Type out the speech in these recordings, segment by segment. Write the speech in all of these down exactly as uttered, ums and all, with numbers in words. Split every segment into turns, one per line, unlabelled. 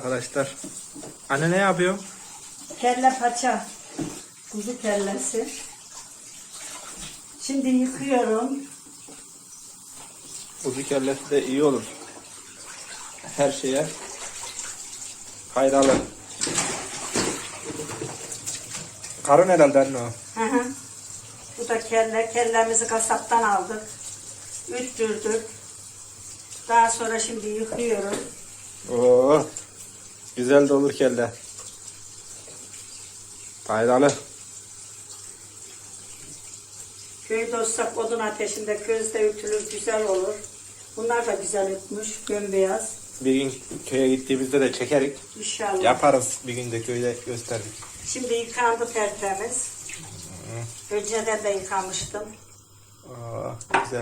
arkadaşlar. Anne ne yapıyor?
Kelle paça. Kuzu kellesi. Şimdi yıkıyorum.
Kuzu kellesi de iyi olur. Her şeye faydalı. Karın herhalde anne o.
Hı hı. Bu da kelle. Kellemizi kasaptan aldık. Üttürdük. Daha sonra şimdi yıkıyorum.
Oo, güzel de olur kelle. Faydalı.
Köyde olsak odun ateşinde közde ütülür, güzel olur. Bunlar da güzel ütmüş, gömbeyaz.
Bir gün köye gittiğimizde de çekerik.
İnşallah.
Yaparız bir gün de köyde gösterdik.
Şimdi yıkandı tertemiz. Hı. Önceden de yıkamıştım.
Oo, güzel.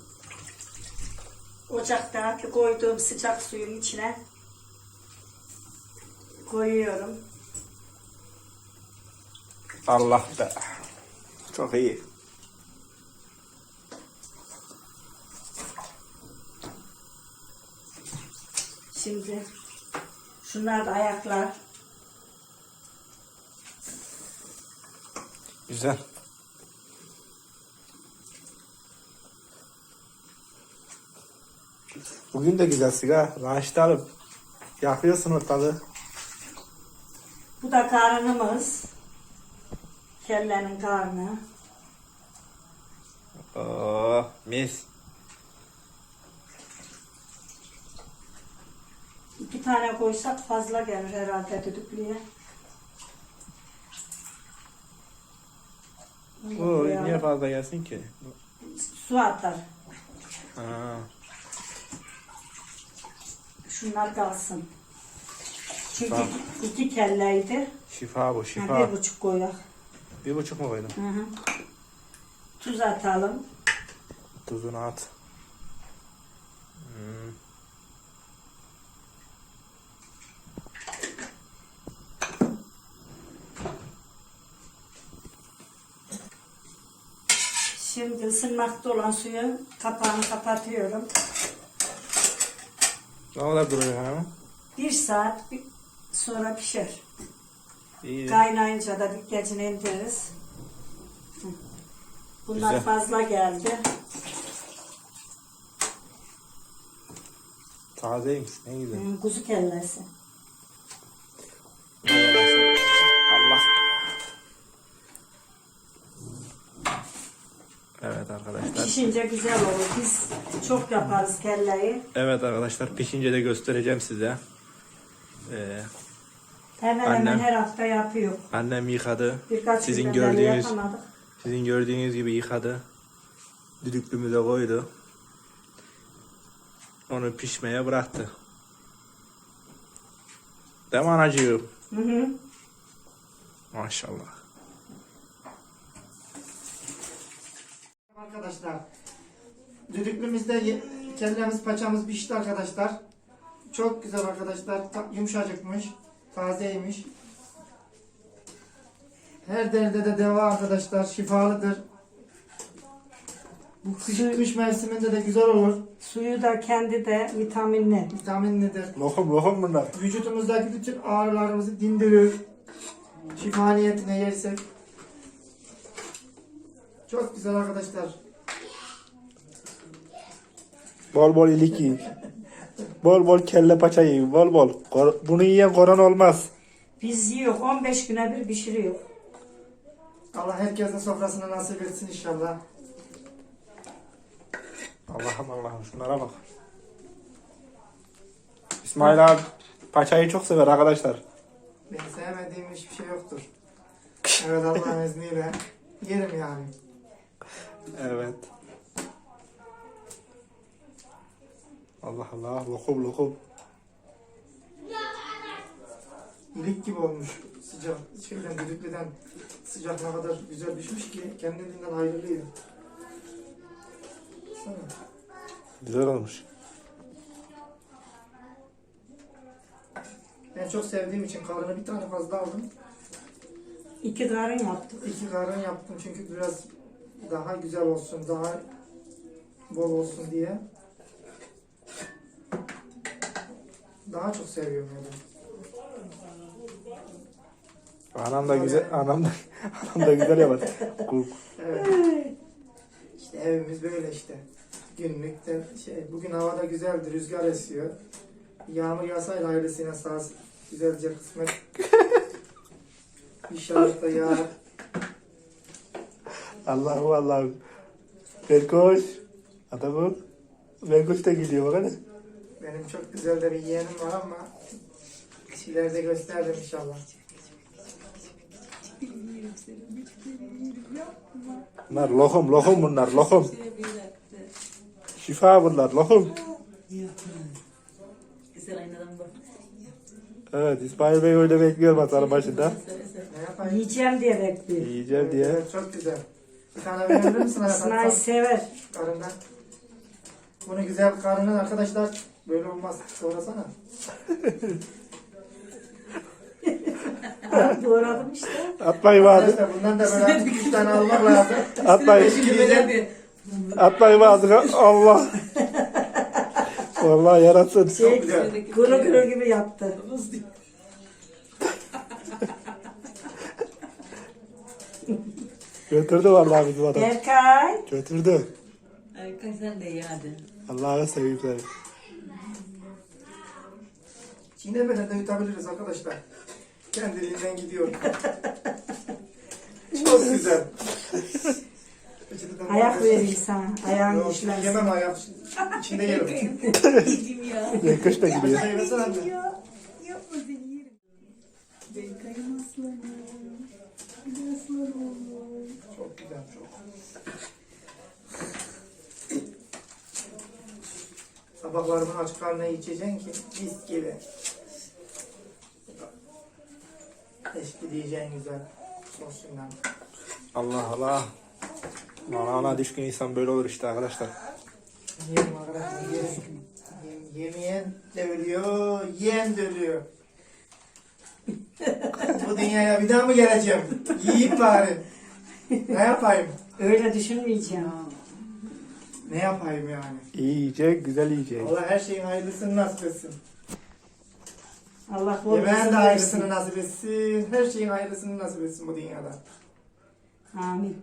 Ocaktaki koyduğum sıcak suyun içine koyuyorum.
Allah be. Çok iyi.
Şimdi şunlar da ayaklar.
Güzel. Bugün de güzel sigara. Raşit alıp yakıyorsun ortalığı.
Bu da karnımız. Kellenin karnı.
Oo, mis.
İki tane koysak fazla gelir herhalde düdüklüye.
Oo, niye fazla gelsin ki?
Su atar.
Ha.
Şunlar kalsın. Çünkü
Tamam.
iki kelleydi.
Şifa bu,
Ha,
şifa.
bir buçuk koyak.
Bir buçuk mu koydun?
Hı hı. Tuz atalım.
Tuzunu at. Hmm.
Şimdi ısınmakta olan suyu kapağını kapatıyorum.
Ne kadar duruyor hanım?
Bir saat bir- sonra pişer.
İyi.
Kaynayınca da dikkatini indiririz. Hı. Bunlar
Güzel.
fazla geldi.
Tazeymiş, ne güzel.
Hı, kuzu kellesi.
Allah. Evet arkadaşlar.
Pişince güzel olur. Biz çok yaparız kelleyi.
Evet arkadaşlar, pişince de göstereceğim size. Ee,
Hemen
Annem-
hemen her hafta yapıyor.
annem yıkadı.
Birkaç
Sizin
günden beri
gördüğünüz
yapamadık.
sizin gördüğünüz gibi yıkadı. Düdüklümüze koydu. Onu pişmeye bıraktı. Değil mi anacığım?
Hı hı.
Maşallah.
Arkadaşlar, düdüklümüzde ye- kellemiz, paçamız pişti arkadaşlar. Çok güzel arkadaşlar, ta- yumuşacıkmış, tazeymiş. Her derde de deva arkadaşlar, şifalıdır. Bu kış, kış mevsiminde de güzel olur,
Suyu da kendi de vitaminli.
vitaminlidir.
Lokum lokum bunlar.
Vücudumuzdaki bütün ağrılarımızı dindirir. Şifa niyetine yersek. Çok güzel arkadaşlar.
Bol bol ilik yiyin. Bol bol kelle paça yiyin. Bol bol. Kor- Bunu yiyen koran olmaz.
Biz yiyor. on beş güne bir pişiriyor.
Allah herkesin sofrasına nasip etsin inşallah.
Allah'ım Allah'ım şunlara bak. İsmail abi paçayı çok sever arkadaşlar.
Ben sevmediğim hiçbir şey yoktur. Evet, Allah'ın izniyle yerim yani.
Evet. Allah Allah lokum lokum.
İlik gibi olmuş. Sıcak şeyden, düdüklüden sıcak ne kadar güzel pişmiş ki kendiliğinden ayrılıyor. Sana.
Güzel olmuş.
Ben çok sevdiğim için karını bir tane fazla aldım.
İki karın yaptık.
İki karın yaptım çünkü biraz daha güzel olsun, daha bol olsun diye. Daha çok seviyorum yani.
Anam da güzel, anam da, anam da güzel yapar. Kul-
Evet. İşte evimiz böyle işte. Günlük de şey, bugün havada güzeldi, rüzgar esiyor. Yağmur yağsaydı hayırlısıyla sağ güzelce kısmet. İnşallah da yağar.
Allah'ım Allah'ım. Berkoş. Adamım. Berkoş da gidiyor bak hadi.
Benim çok güzel de bir yeğenim var ama ileride gösterdim inşallah.
Bunlar lokum, lokum bunlar, lokum. Şifa bunlar, lokum.
Güzel aynadan bak.
Evet, İsmail Bey öyle bekliyor masanın başında.
Ne yapayım?
Yiyeceğim diye bekliyor.
Yiyeceğim diye.
Evet, çok güzel. Bir tane verebilir misin?
İsmail sever.
Karından. Bunu güzel karından arkadaşlar böyle olmaz. Doğrasana.
Doğradım işte.
Atmayın ağzı.
Arkadaşlar bundan da böyle üç tane almak lazım.
Atmayın.
Şimdi diyeceğim.
Atmayın ağzına. Allah. Vallahi yaratsın.
Şey,
güzel.
kuru kuru gibi yaptı.
Götürdü vallahi bizim adam.
Erkay.
Götürdü.
Erkan sen de iyi hadi.
Allah'a seveyim seni.
Çiğnemeden de yutabiliriz arkadaşlar. Kendiliğinden gidiyor. Çok güzel.
Ayak vereyim sana. Ayağın
Yok,
düşmez.
yemem ayak. İçinde yerim.
Yedim ya.
Berkoş da gidiyor.
Başka yemesene anne.
Yapma seni yerim. Beykayım aslanım. Aslanım.
Çok güzel çok. Sabahları bunu açık karnına içeceksin ki mis gibi. Eşki diyeceksin güzel sosuyla.
Allah Allah. Ana ana düşkün insan böyle olur işte arkadaşlar.
Yiyelim arkadaşlar yiyelim. Yem, yemeyen de ölüyor, yiyen de ölüyor. Bu dünyaya bir daha mı geleceğim? Yiyip bari. Ne yapayım?
Öyle düşünmeyeceğim.
Ne yapayım yani?
İyi yiyecek, güzel yiyecek.
Allah her şeyin hayırlısını nasip etsin.
Allah bol
Yemeğin de
kızım
hayırlısını
versin.
nasip etsin. Her şeyin hayırlısını nasip etsin bu dünyada.
Amin.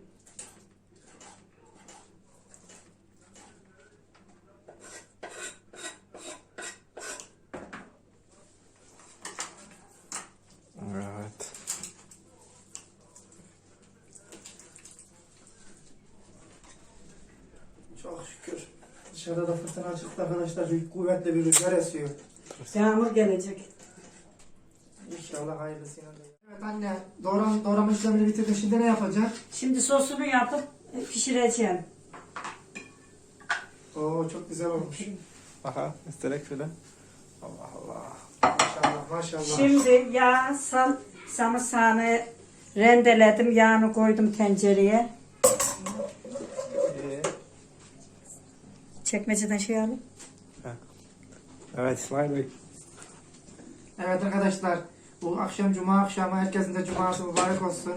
Evet.
Çok şükür. Dışarıda da fırtına çıktı arkadaşlar. Büyük kuvvetli bir rüzgar esiyor.
Yağmur gelecek.
İnşallah hayırlısıyla. Evet anne, doğram, doğrama işlemini bitirdim. Şimdi ne yapacak?
Şimdi sosunu yapıp pişireceğim.
Oo çok güzel olmuş.
Aha, isterek şöyle. Allah Allah.
Maşallah maşallah.
Şimdi yağ, sal, sarımsağını rendeledim. Yağını koydum tencereye.
Ee,
Çekmeceden şey alayım.
Evet İsmail Bey.
Evet arkadaşlar, bu akşam cuma akşamı herkesin de cuması mübarek olsun.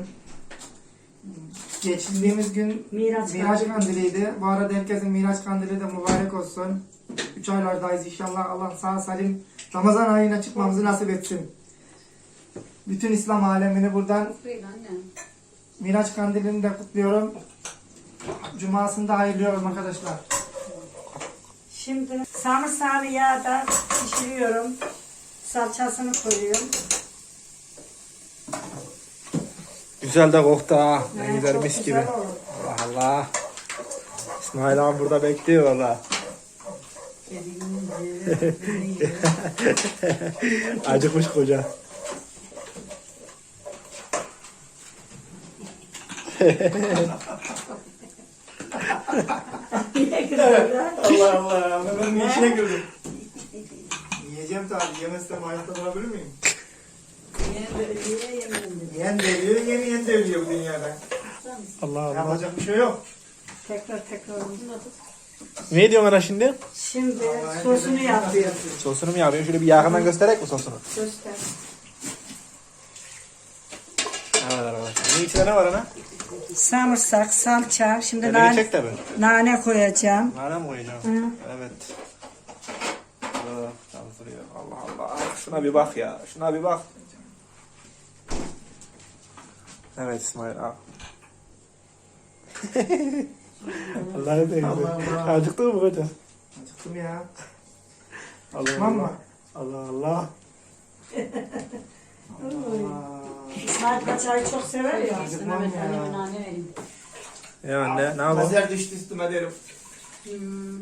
Geçtiğimiz gün
Miraç
Miraç
kandili.
kandiliydi. Bu arada herkesin Miraç kandili de mübarek olsun. Üç aylardayız inşallah. Allah sağ salim Ramazan ayına çıkmamızı nasip etsin. Bütün İslam alemini buradan Miraç kandilini de kutluyorum. Cumasını da hayırlıyorum arkadaşlar.
Şimdi sarımsağını yağda pişiriyorum. Salçasını koyuyorum.
Güzel de koktu ha. Ne
Evet,
güzel
çok
mis gibi.
güzel olur.
Allah Allah. İsmail abi burada bekliyor valla. Acıkmış koca.
Allah Allah. Ben bir işine güldüm. Yiyeceğim tabii. Yemezsem hayatta durabilir miyim? Yiyen de ölüyor, yemeyen de ölüyor bu dünyada.
Allah Allah.
Yapacak bir şey yok.
Tekrar tekrar.
Ne diyorsun ana şimdi?
Şimdi
Allah
sosunu
herkese
yapıyorum.
Sosunu mu yapıyorsun? Şöyle bir yakından göstererek mi sosunu?
Göster.
Evet arkadaşlar. Bunun içinde ne var ana?
Sarımsak, salça. Şimdi
Elini
nane,
çek tabi.
nane koyacağım.
Nane mi koyacağım?
Hı.
Evet. Oh, çalıştırıyor. Allah Allah. Şuna bir bak ya. Şuna bir bak. Evet İsmail al. Allah'ı seveyim.
Allah Allah.
Acıktın mı hocam?
Acıktım ya.
Allah
Tamam mı?
Allah. Allah Allah.
Allah.
İsmail paçayı çok sever ya.
Acıkmam ya.
Nane vereyim.
Ya anne ne yapalım?
Lazer düştü üstüme derim.
Hmm.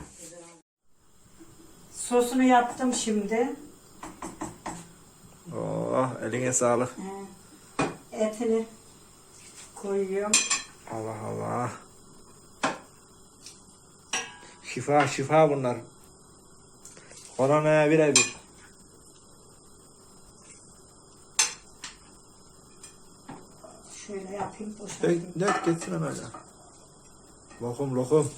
Sosunu yaptım şimdi.
Oh eline sağlık.
Ee, Etini koyuyorum.
Allah Allah. Şifa şifa bunlar. Koronaya birebir.
Şöyle yapayım, boşaltayım.
Dök, dök geçsin hemen öyle. Lokum lokum.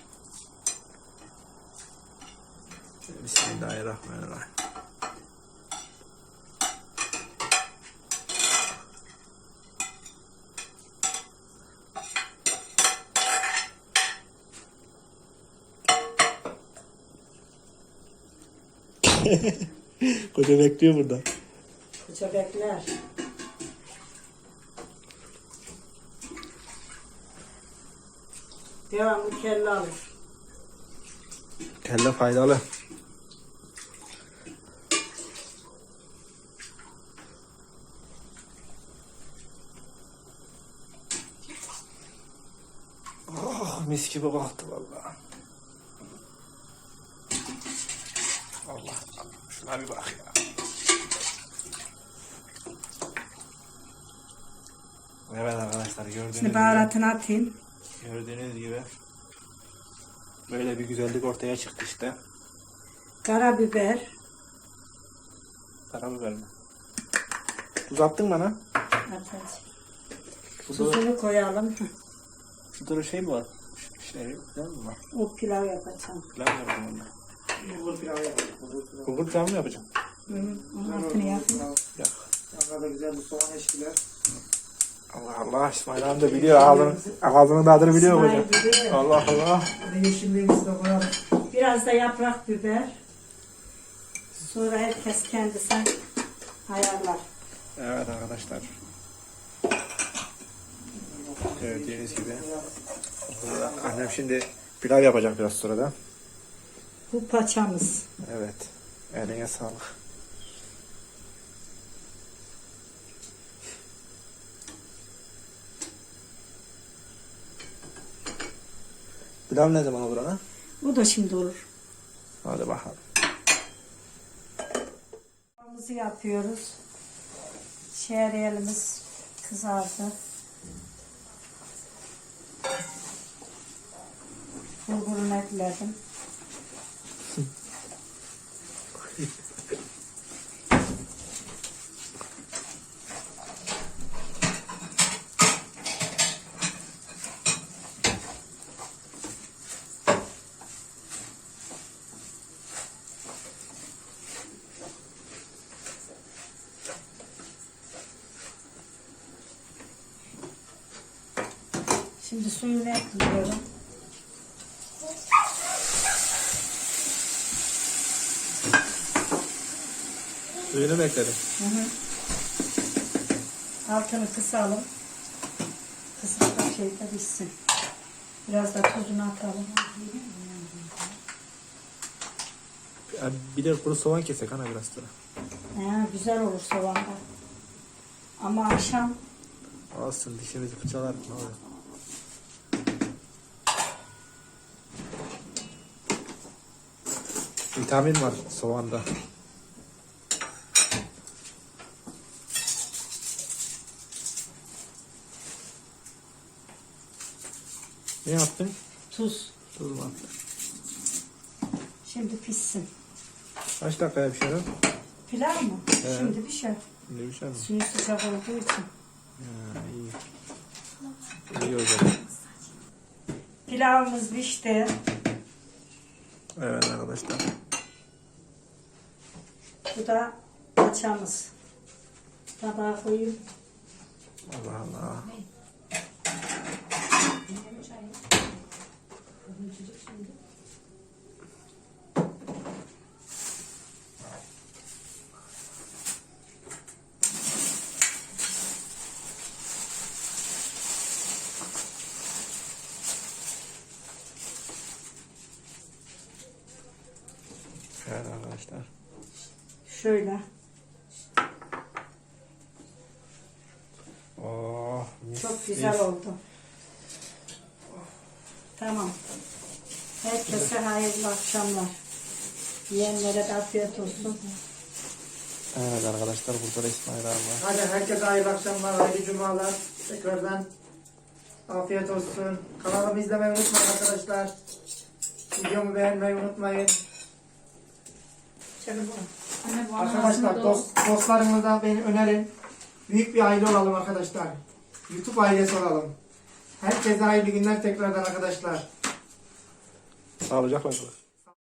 Bismillahirrahmanirrahim. Koca bekliyor burada.
Koca bekler. Devamlı kelle alır.
Kelle faydalı. Oh, mis gibi baktı vallahi. Allah, şuna bir bak ya. Evet arkadaşlar gördüğünüz
Şimdi
gibi,
baharatını atayım.
gördüğünüz gibi böyle bir güzellik ortaya çıktı işte.
Karabiber.
Karabiber mi? Tuz attın bana.
Atacağım.
Tuzu,
Tuzunu koyalım.
tuzu şey mi var? Şey, değil mi var?
O pilav yapacağım.
Pilav mı yapacağım onunla?
Bulgur pilavı yapalım. Bulgur pilavı.
Bulgur pilav mı yapacağım?
Hı hı. Onun
Güzel
altını
olur,
yapayım.
pilav.
Yok.
Yanına da güzel bir soğan eşkiler.
Allah Allah İsmail abi de biliyor ağzının, ağzının tadını biliyor hocam.
İsmail biliyor.
Allah Allah.
Bir de yeşilliğimizi de koyalım.
Biraz da yaprak biber. Sonra herkes kendisi ayarlar.
Evet arkadaşlar. Gördüğünüz gibi. Annem şimdi pilav yapacak biraz sonra da.
Bu paçamız.
Evet. Eline sağlık. Pilav ne zaman olur ana?
Bu da şimdi olur.
Hadi bakalım.
Pilavımızı yapıyoruz. Şehriyelimiz kızardı. Bulgurunu ekledim. Şimdi suyunu ekliyorum.
Suyunu mu ekledin?
Hı hı. Altını kısalım. Kısık da şeyde pişsin. Biraz da tuzunu atalım.
Ya bir de kuru soğan kesek ana biraz sonra.
He, güzel olur soğanda. Ama akşam
Olsun dişimizi fırçalar. Ne olur. Vitamin var soğanda. Ne yaptın?
tuz.
Tuz mu attın?
Şimdi pişsin.
Kaç dakikaya pişiyor?
Pilav mı?
He.
Şimdi pişer.
Ne pişer mi?
Suyu sıcak olduğu için.
Ha, iyi. İyi o zaman.
Pilavımız pişti.
Evet arkadaşlar.
Bu da paçamız. Tabağa koyayım.
Allah Allah. arkadaşlar.
Şöyle.
Oh, mis,
Çok güzel
mis.
oldu. Tamam. Herkese hayırlı akşamlar. Yiyenlere de afiyet olsun.
Evet arkadaşlar, burada da İsmail abi var.
Hadi herkese hayırlı akşamlar, hayırlı cumalar. Tekrardan afiyet olsun. Kanalımı izlemeyi unutmayın arkadaşlar. Videomu beğenmeyi unutmayın.
Anne, bu
Arkadaşlar
anasını
dost, dostlarınıza beni önerin. Büyük bir aile olalım arkadaşlar. YouTube ailesi olalım. Herkese hayırlı günler tekrardan arkadaşlar.
Sağlıcakla kalın.